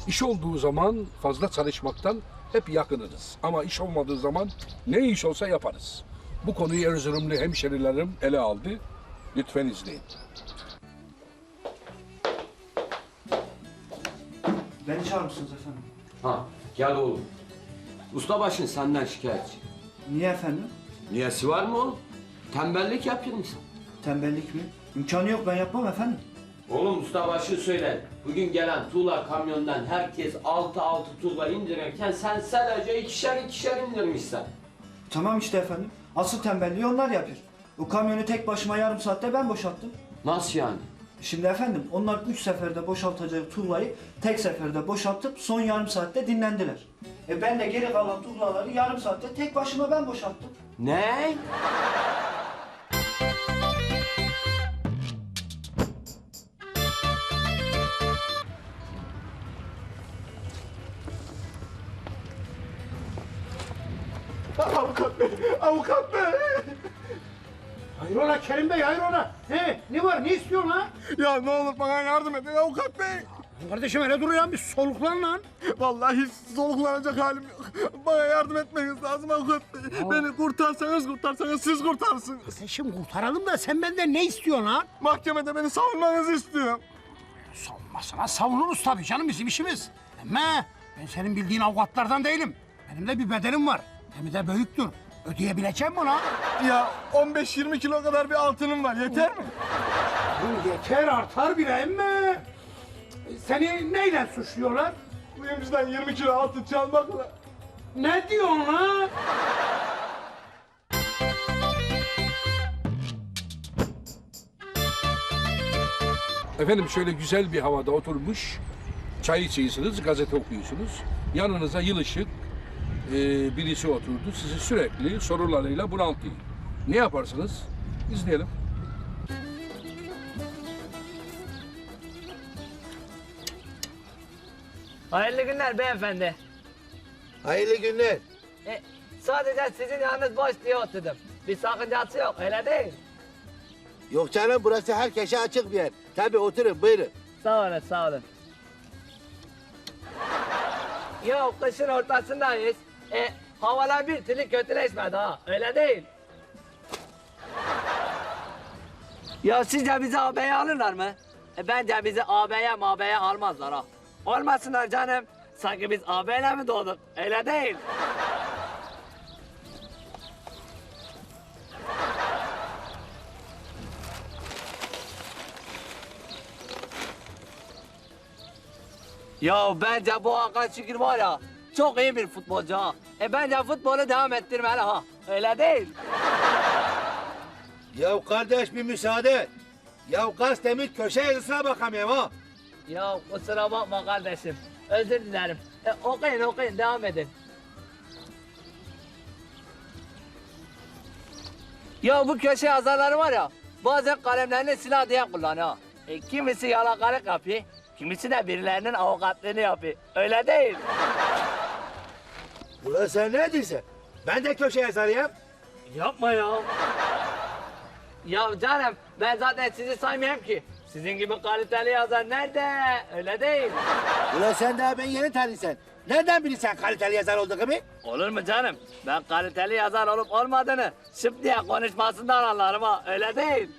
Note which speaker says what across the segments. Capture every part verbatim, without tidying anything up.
Speaker 1: İş olduğu zaman fazla çalışmaktan hep yakınırız. Ama iş olmadığı zaman ne iş olsa yaparız. Bu konuyu Erzurumlu hemşerilerim ele aldı. Lütfen izleyin.
Speaker 2: Beni çağırmışsınız efendim.
Speaker 3: Ha, gel oğlum. Ustabaşın senden şikayetçi.
Speaker 2: Niye efendim?
Speaker 3: Niyesi var mı oğlum? Tembellik yapıyorsun sen.
Speaker 2: Tembellik mi? İmkanı yok, ben yapmam efendim.
Speaker 3: Oğlum ustabaşı söyle. Bugün gelen tuğla kamyondan herkes altı altı tuğla indirirken sen sadece ikişer ikişer indirmişsin.
Speaker 2: Tamam işte efendim. Asıl tembelliği onlar yapıyor. O kamyonu tek başıma yarım saatte ben boşalttım.
Speaker 3: Nasıl yani?
Speaker 2: Şimdi efendim onlar üç seferde boşaltacağı tuğlayı tek seferde boşaltıp son yarım saatte dinlendiler. E ben de geri kalan tuğlaları yarım saatte tek başıma ben boşalttım.
Speaker 3: Ne?
Speaker 4: Avukat bey, avukat bey.
Speaker 5: Hayrola Kerim Bey, hayrola? He, ne var, ne istiyorsun lan?
Speaker 4: Ya ne olur bana yardım edin avukat bey.
Speaker 5: Kardeşim öyle dur ya, bir soluklan lan.
Speaker 4: Vallahi hiç soluklanacak halim yok. Bana yardım etmeniz lazım avukat bey. Beni kurtarsanız kurtarsanız siz kurtarsınız.
Speaker 5: Sen şimdi kurtaralım da sen benden ne istiyorsun lan?
Speaker 4: Mahkemede beni savunmanızı istiyorum.
Speaker 5: Savunmasına savunuruz tabii canım, bizim işimiz. Ama ben senin bildiğin avukatlardan değilim. Benim de bir bedelim var. Hem de büyüktür. Ödeyebileceğim mi lan?
Speaker 4: Ya on beş yirmi kilo kadar bir altınım var, yeter mi?
Speaker 5: Bu yeter, artar bile emme. Seni neyle suçluyorlar?
Speaker 4: Kuyumcudan yirmi kilo altın çalmakla.
Speaker 5: Ne diyorsun lan?
Speaker 1: Efendim şöyle güzel bir havada oturmuş, çay içiyorsunuz, gazete okuyorsunuz. Yanınıza yılışık e, birisi oturdu, sizi sürekli sorularıyla bunaltıyor. Ne yaparsınız? İzleyelim.
Speaker 6: Hayırlı günler beyefendi.
Speaker 7: Hayırlı günler.
Speaker 6: E, sadece sizin yanınız boş diye oturdum. Bir sakıncası yok, öyle değil.
Speaker 7: Yok canım, burası herkese açık bir yer. Tabii oturun, buyurun.
Speaker 6: Sağ olun, sağ olun. Yok, kışın ortasındayız. E, havalar bir türlü kötüleşmedi ha, öyle değil. Ya sizce bizi A B'ye alırlar mı? E, bence bizi A B'ye M B'ye almazlar ha. Olmasınlar canım. Sanki biz A B'yle mi doğduk? Öyle değil. Ya bence bu Hakan Şükür var ya, çok iyi bir futbolcu ha. E bence futbolu devam ettirmeli ha. Öyle değil.
Speaker 7: Ya kardeş bir müsaade et. Ya gazetemin köşe yazısına bakamıyorum ha.
Speaker 6: Ya kusura bakma kardeşim. Özür dilerim. E, okuyun okuyun, devam edin. Ya bu köşe yazarları var ya, bazen kalemlerini silah diye kullanıyor. E, kimisi yalakalık yapıyor, kimisi de birilerinin avukatlığını yapıyor. Öyle değil.
Speaker 7: Ulan sen ne diyorsun? Ben de köşe yazarıyım.
Speaker 6: Yapma ya. Ya canım, ben zaten sizi saymayayım ki. Sizin gibi kaliteli yazar nerede? Öyle değil.
Speaker 7: Ulan sen daha ben yeni tanıyorsun. Nereden bilirsen kaliteli yazar olduğumu?
Speaker 6: Olur mu canım? Ben kaliteli yazar olup olmadığını şıp diye konuşmasından anlarım ha. Öyle değil.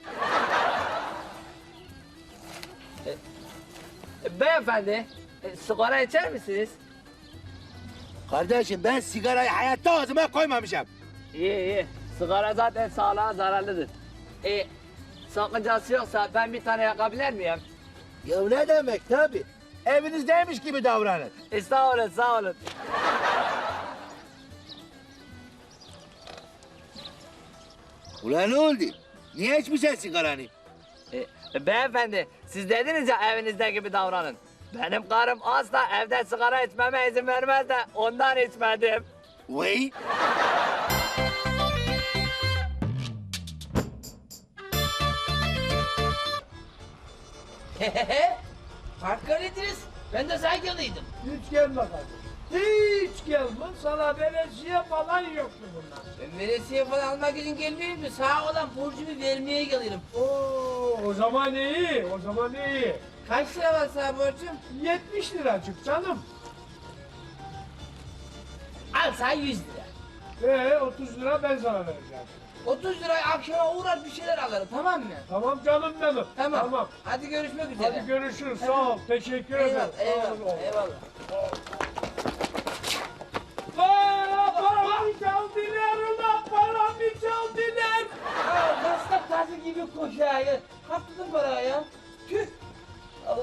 Speaker 6: e, e, beyefendi, e, sigara içer misiniz?
Speaker 7: Kardeşim ben sigarayı hayatta ağzıma koymamışım.
Speaker 6: İyi iyi. Sigara zaten sağlığa zararlıdır. E, sakıncası yoksa ben bir tane yakabilir miyim?
Speaker 7: Ya ne demek tabii. Evinizdeymiş gibi davranın.
Speaker 6: E, sağ olun sağ olun.
Speaker 7: Ulan ne oldu? Niye içmişsin sigaranı?
Speaker 6: E, e, beyefendi, siz dediniz ya evinizde gibi davranın. Benim karım asla evde sigara içmeme izin vermez de ondan içmedim.
Speaker 7: Vay.
Speaker 8: Hakkı ediniz. Ben de saygılıydım.
Speaker 5: Hiç gelme kardeşim. Hiç gelme. Sana veresiye falan yoktu bunlar.
Speaker 8: Ben veresiye falan almak için gelmiyorum da sağ olan borcumu vermeye gelirim.
Speaker 5: Oo, o zaman iyi, o zaman iyi.
Speaker 8: Kaç lira var sana borcum?
Speaker 5: yetmiş liracık canım.
Speaker 8: Al sana yüz lira.
Speaker 5: Ee otuz lira ben sana vereceğim.
Speaker 8: otuz lirayı akşama uğrar bir şeyler alırım tamam mı?
Speaker 5: Tamam canım benim.
Speaker 8: Tamam.
Speaker 5: Tamam.
Speaker 8: Hadi görüşmek üzere.
Speaker 5: Hadi görüşürüz. Sağ ol. Teşekkür ederim.
Speaker 8: Eyvallah,
Speaker 5: Sağ ol.
Speaker 8: eyvallah, eyvallah.
Speaker 5: Aa, paramı çaldılar ulan, paramı çaldılar.
Speaker 8: Ya kastak tazı gibi koşuyor ya. Kaptırdın parayı ya. Tüh. Allah.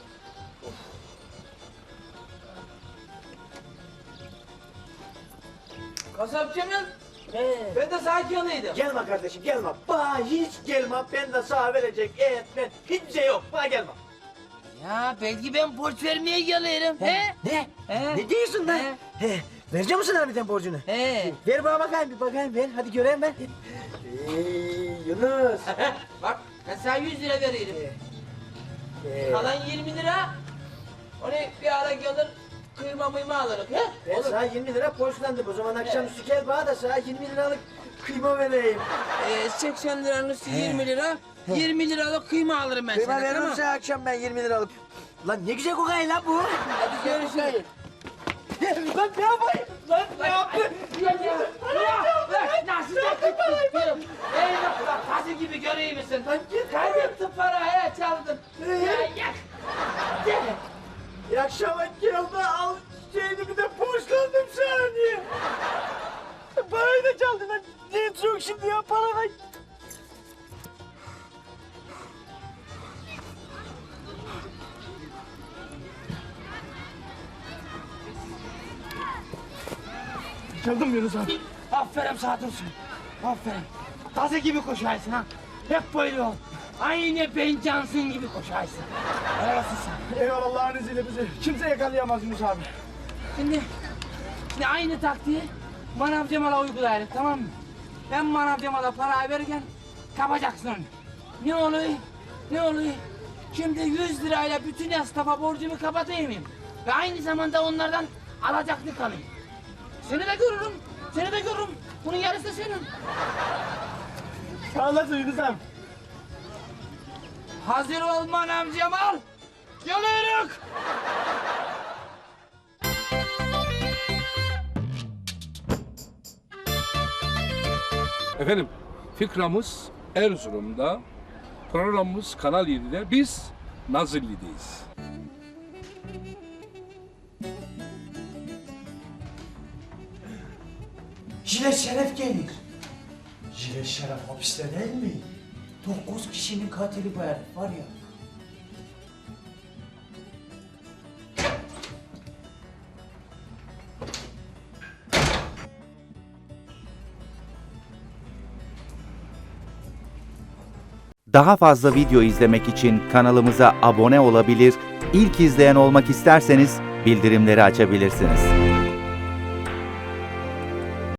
Speaker 8: Kasapçının ben de sakinliydim.
Speaker 2: Gelme kardeşim gelme. Bana hiç gelme. Ben de sana verecek et ben hiçbir şey yok. Bana gelme.
Speaker 8: Ya belki ben borç vermeye gelirim. He?
Speaker 2: Ne?
Speaker 8: He?
Speaker 2: Ne diyorsun lan?
Speaker 8: He?
Speaker 2: He. Verecek misin harbiden borcunu?
Speaker 8: He.
Speaker 2: Ver bana bakayım bir bakayım ver. Hadi göreyim ben. Eee Yunus.
Speaker 8: Bak ben sana yüz lira veririm.
Speaker 2: Ee,
Speaker 8: Kalan yirmi lira. Onu bir ara gelir kıyma mıyma alırız. He?
Speaker 2: ben
Speaker 8: Olur.
Speaker 2: sana yirmi lira borçlandım. O zaman akşamüstü gel bana da sana yirmi liralık kıyma vereyim.
Speaker 8: Ee, seksen liranın üstü yirmi lira. yirmi liralık kıyma alırım ben
Speaker 2: Kıyma
Speaker 8: sana
Speaker 2: veririm
Speaker 8: tamam.
Speaker 2: sana akşam ben yirmi liralık. Lan ne güzel kokayın lan bu.
Speaker 8: Hadi görüşürüz.
Speaker 2: Lan ne yapayım? Lan ne yaptın?
Speaker 8: Nasıl yaptın? Eyvah bak hazır gibi göreyim misin? Kaybettin parayı çaldın. Ya yak. Gel.
Speaker 2: İyi akşama geldi al şeyini bir de borçlandım sana niye? Parayı da çaldın lan. Ne çok şimdi ya parayı.
Speaker 5: Çaldım Yunus abi.
Speaker 8: Aferin sağ dursun. Aferin. Taze gibi koşarsın ha. Hep böyle ol. Aynı Ben Johnson gibi koşarsın. Helal olsun sana.
Speaker 5: Eyvallah Allah'ın izniyle bizi kimse yakalayamaz Yunus abi.
Speaker 8: Şimdi, şimdi aynı taktiği Manav Cemal'a uygulayalım tamam mı? Ben Manav Cemal'a parayı verirken kapacaksın onu. Ne oluyor? Ne oluyor? Şimdi yüz lirayla bütün esnafa borcumu kapatayım mıyım? Ve aynı zamanda onlardan alacaklı kalayım. Seni de görürüm, seni de görürüm. Bunun yarısı da senin.
Speaker 5: Sağ olasın Yunus abi.
Speaker 8: Hazır ol Manav Cemal. Geliyoruz.
Speaker 1: Efendim, fikramız Erzurum'da, programımız Kanal yedide, biz Nazilli'deyiz.
Speaker 2: Jilet Şeref gelir. Jilet Şeref hapiste değil mi? Dokuz kişinin katili bu herif var ya.
Speaker 9: Daha fazla video izlemek için kanalımıza abone olabilir, ilk izleyen olmak isterseniz bildirimleri açabilirsiniz.